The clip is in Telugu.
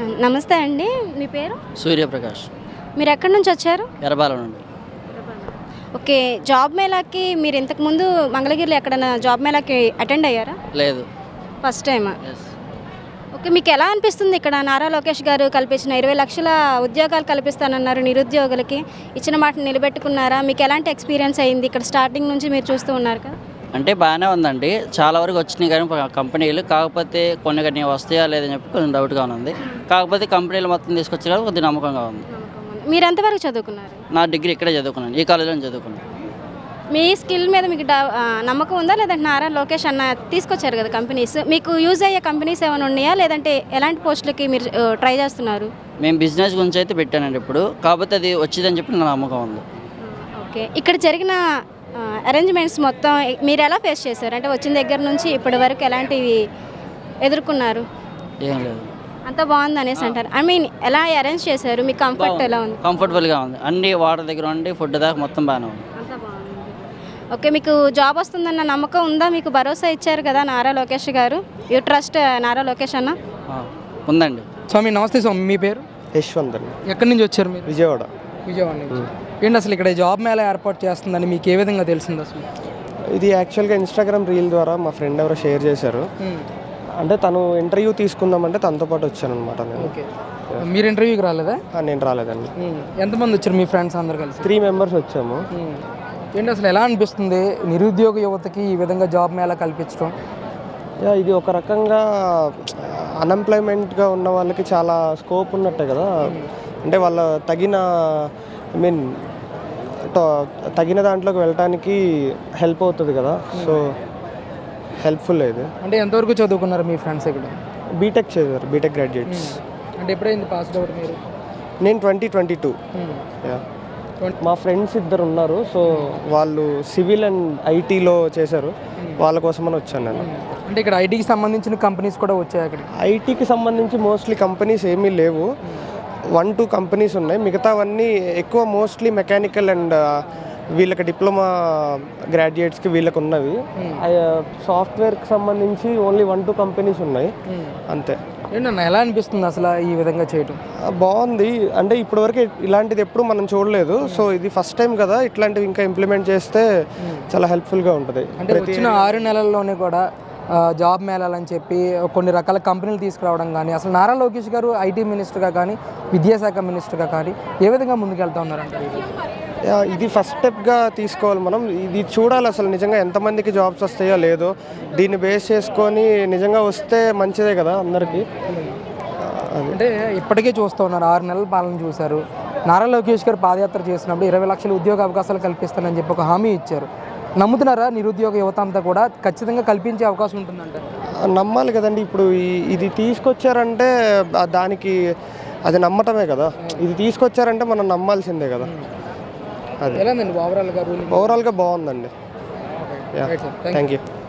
నమస్తే అండి. మీ పేరు? సూర్యప్రకాష్. మీరు ఎక్కడి నుంచి వచ్చారు? ఎర్రబాల నుండి. ఓకే. జాబ్ మేళాకి మీరు ఇంతకుముందు మంగళగిరిలో ఎక్కడైనా జాబ్ మేళాకి అటెండ్ అయ్యారా? లేదు. ఫస్ట్ టైమా? ఎస్. ఓకే. మీకు ఎలా అనిపిస్తుంది ఇక్కడ నారా లోకేష్ గారు కల్పించిన 20 లక్షల ఉద్యోగాలు కల్పిస్తానన్నారు నిరుద్యోగులకి, ఇచ్చిన మాటను నిలబెట్టుకున్నారా? మీకు ఎలాంటి ఎక్స్పీరియన్స్ అయింది ఇక్కడ స్టార్టింగ్ నుంచి మీరు చూస్తూ ఉన్నారు కదా? అంటే బాగానే ఉందండి, చాలా వరకు వచ్చినాయి కానీ కంపెనీలు, కాకపోతే కొన్ని వస్తాయా లేదని చెప్పి కొంచెం డౌట్గా ఉంది. కాకపోతే కంపెనీలు మొత్తం తీసుకొచ్చారు, కొద్దిగా నమ్మకంగా ఉంది. మీరు ఎంతవరకు చదువుకున్నారు? నా డిగ్రీ ఇక్కడే చదువుకున్నాను, ఈ కాలేజీలో చదువుకున్నాను. మీ స్కిల్ మీద మీకు నమ్మకం ఉందా, లేదంటే నారా లోకేష్ అన్న తీసుకొచ్చారు కదా కంపెనీస్, మీకు యూజ్ అయ్యే కంపెనీస్ ఏమైనా ఉన్నాయా, లేదంటే ఎలాంటి పోస్టులకి మీరు ట్రై చేస్తున్నారు? మేము బిజినెస్ గురించి అయితే పెట్టానండి ఇప్పుడు, కాకపోతే అది వచ్చిందని చెప్పి నా నమ్మకం ఉంది. ఓకే. ఇక్కడ జరిగిన అరేంజ్మెంట్స్ మొత్తం మీరు ఎలా ఫేస్ చేశారు? అంటే వచ్చిన దగ్గర నుంచి ఇప్పటి వరకు ఎలాంటివి ఎదుర్కొన్నారు? ఏం లేదు, అంతా బాగుంది అనేసి అంటారు. ఐ మీన్ ఎలా అరేంజ్ చేశారు? మీకు కంఫర్ట్ ఎలా ఉంది? కంఫర్టబుల్గా ఉంది, అన్ని వాటర్ దగ్గర ఉండి ఫుడ్ దాకా మొత్తం బాగానే ఉంది. అంతా బాగుంది. ఓకే. మీకు జాబ్ వస్తుందన్న నమ్మకం ఉందా? మీకు భరోసా ఇచ్చారు కదా నారా లోకేష్ గారు, యూ ట్రస్ట్ నారా లోకేష్ అన్న? ఉందండి. స్వామి నమస్తే. స్వామి మీ పేరు? యశ్వంత్ అండి. ఎక్కడి నుంచి వచ్చారు మీరు? విజయవాడ. విజయవాడ నుంచి. ఏంటి అసలు ఇక్కడ జాబ్ మేళా ఏర్పాటు చేస్తుందని మీకు ఏ విధంగా తెలిసింది అసలు? ఇది యాక్చువల్గా ఇన్స్టాగ్రామ్ రీల్ ద్వారా మా ఫ్రెండ్ ఎవరో షేర్ చేశారు. అంటే తను ఇంటర్వ్యూ తీసుకుందామంటే తనతో పాటు వచ్చాను అనమాట నేను. ఓకే. మీరు ఇంటర్వ్యూకి రాలేదా? నేను రాలేదండి. ఎంతమంది వచ్చారు మీ ఫ్రెండ్స్ అందరు కలిసి? 3 మెంబర్స్ వచ్చాము. ఏంటి అసలు ఎలా అనిపిస్తుంది నిరుద్యోగ యువతకి ఈ విధంగా జాబ్ మేళా కల్పించడం? ఇది ఒక రకంగా అన్ఎంప్లాయ్మెంట్గా ఉన్న వాళ్ళకి చాలా స్కోప్ ఉన్నట్టే కదా. అంటే వాళ్ళ తగిన దాంట్లోకి వెళ్ళటానికి హెల్ప్ అవుతుంది కదా. సో హెల్ప్ఫుల్ ఇది. అంటే ఎంతవరకు చదువుకున్నారు మీ ఫ్రెండ్స్ ఇక్కడ? బీటెక్ చేశారు, బీటెక్ గ్రాడ్యుయేట్స్. అంటే ఎప్పుడైంది పాస్ అవుట్ మీరు? నేను 2022. మా ఫ్రెండ్స్ ఇద్దరు ఉన్నారు, సో వాళ్ళు సివిల్ అండ్ ఐటీలో చేశారు, వాళ్ళ కోసమని వచ్చాను నేను. అంటే ఇక్కడ ఐటీకి సంబంధించిన కంపెనీస్ కూడా వచ్చాయి అక్కడ? ఐటీకి సంబంధించి మోస్ట్లీ కంపెనీస్ ఏమీ లేవు, 1-2 కంపెనీస్ ఉన్నాయి. మిగతావన్నీ ఎక్కువ మోస్ట్లీ మెకానికల్ అండ్ వీళ్ళకి డిప్లొమా గ్రాడ్యుయేట్స్కి వీళ్ళకి ఉన్నవి. సాఫ్ట్వేర్కి సంబంధించి ఓన్లీ 1-2 కంపెనీస్ ఉన్నాయి అంతే. ఏంటన్నా ఎలా అనిపిస్తుంది అసలు ఈ విధంగా చేయడం? బాగుంది. అంటే ఇప్పటివరకు ఇలాంటిది ఎప్పుడు మనం చూడలేదు, సో ఇది ఫస్ట్ టైం కదా. ఇట్లాంటివి ఇంకా ఇంప్లిమెంట్ చేస్తే చాలా హెల్ప్ఫుల్గా ఉంటుంది. అంటే వచ్చిన 6 నెలల్లోనే కూడా జాబ్ మేళాలని చెప్పి కొన్ని రకాల కంపెనీలు తీసుకురావడం కానీ, అసలు నారా లోకేష్ గారు ఐటీ మినిస్టర్గా కానీ విద్యాశాఖ మినిస్టర్గా కానీ ఏ విధంగా ముందుకెళ్తా ఉన్నారంటారు? ఇది ఫస్ట్ స్టెప్గా తీసుకోవాలి మనం. ఇది చూడాలి అసలు నిజంగా ఎంతమందికి జాబ్స్ వస్తాయో లేదో, దీన్ని బేస్ చేసుకొని నిజంగా వస్తే మంచిదే కదా అందరికీ. అంటే ఇప్పటికే చూస్తూ ఉన్నారు, 6 నెలల పాలన చూశారు. నారా లోకేష్ గారు పాదయాత్ర చేసినప్పుడు 20 లక్షల ఉద్యోగ అవకాశాలు కల్పిస్తానని చెప్పి ఒక హామీ ఇచ్చారు. నమ్ముతున్నారా నిరుద్యోగ యువత అంతా కూడా ఖచ్చితంగా కల్పించే అవకాశం ఉంటుందంట? నమ్మాలి కదండి. ఇప్పుడు ఇది తీసుకొచ్చారంటే దానికి అది నమ్మటమే కదా. ఇది తీసుకొచ్చారంటే మనం నమ్మాల్సిందే కదా. అది ఎలా ఓవరాల్గా బాగుందండి. Thank you.